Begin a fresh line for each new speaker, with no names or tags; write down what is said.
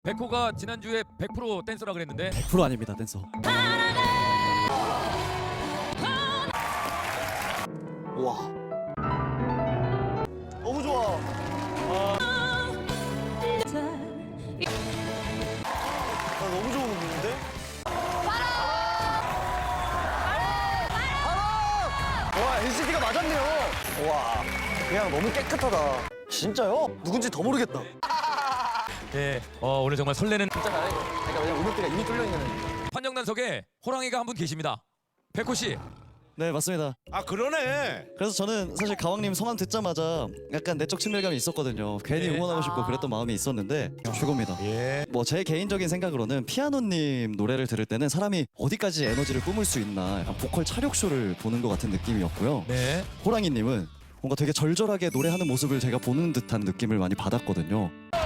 백호가 지난주에 100% 댄서라 그랬는데
100% 아닙니다, 댄서.
와. 너무 좋아. 나 너무 좋은 곡인데? 와, NCT가 맞았네요. 와, 그냥 너무 깨끗하다. 진짜요? 누군지 더 모르겠다.
예, 오늘 정말 설레는
진짜 잘해. 그러니까 왜냐면 음역대가 이미 뚫려 있는.
판정단석에 호랑이가 한 분 계십니다. 백호 씨.
네, 맞습니다.
아 그러네.
그래서 저는 사실 가왕님 성함 듣자마자 약간 내적 친밀감이 있었거든요. 괜히
네.
응원하고 싶고 그랬던 마음이 있었는데 최고입니다.
예.
뭐 제 개인적인 생각으로는 피아노님 노래를 들을 때는 사람이 어디까지 에너지를 뿜을 수 있나 약간 보컬 차력쇼를 보는 것 같은 느낌이었고요.
네.
호랑이님은 뭔가 되게 절절하게 노래하는 모습을 제가 보는 듯한 느낌을 많이 받았거든요.